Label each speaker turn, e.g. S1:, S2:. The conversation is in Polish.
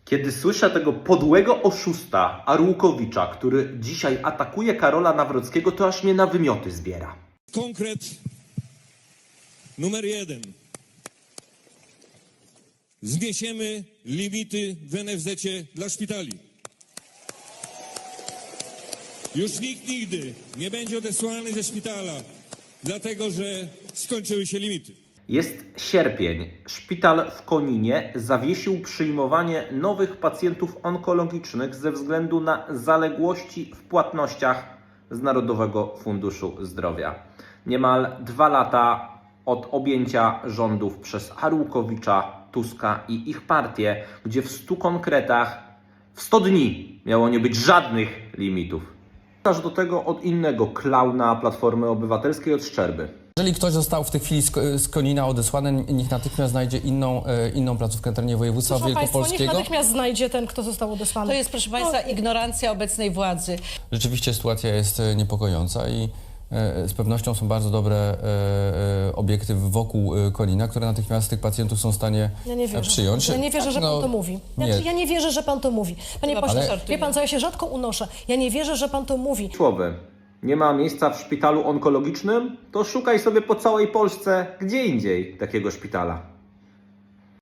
S1: Kiedy słyszę tego podłego oszusta Arłukowicza, który dzisiaj atakuje Karola Nawrockiego, to aż mnie na wymioty zbiera.
S2: Konkret numer 1. Zniesiemy limity w NFZ-cie dla szpitali. Już nikt nigdy nie będzie odesłany ze szpitala, dlatego że skończyły się limity.
S1: Jest sierpień. Szpital w Koninie zawiesił przyjmowanie nowych pacjentów onkologicznych ze względu na zaległości w płatnościach z Narodowego Funduszu Zdrowia. Niemal 2 lata od objęcia rządów przez Arłukowicza, Tuska i ich partię, gdzie w 100 konkretach, w 100 dni miało nie być żadnych limitów. Aż do tego od innego klauna Platformy Obywatelskiej, od Szczerby.
S3: Jeżeli ktoś został w tej chwili z Konina odesłany, niech natychmiast znajdzie inną placówkę na terenie województwa
S4: Proszę Państwa,
S3: wielkopolskiego.
S4: niech natychmiast znajdzie ten, kto został odesłany.
S5: To jest, proszę Państwa, ignorancja obecnej władzy.
S3: Rzeczywiście sytuacja jest niepokojąca i z pewnością są bardzo dobre obiekty wokół Konina, które natychmiast tych pacjentów są w stanie przyjąć.
S4: Ja nie wierzę, że pan to mówi. Ja nie wierzę, że pan to mówi. Panie pośle, wie pan co, ja się rzadko unoszę. Ja nie wierzę, że pan to mówi.
S1: Słowy. Nie ma miejsca w szpitalu onkologicznym? To szukaj sobie po całej Polsce gdzie indziej takiego szpitala.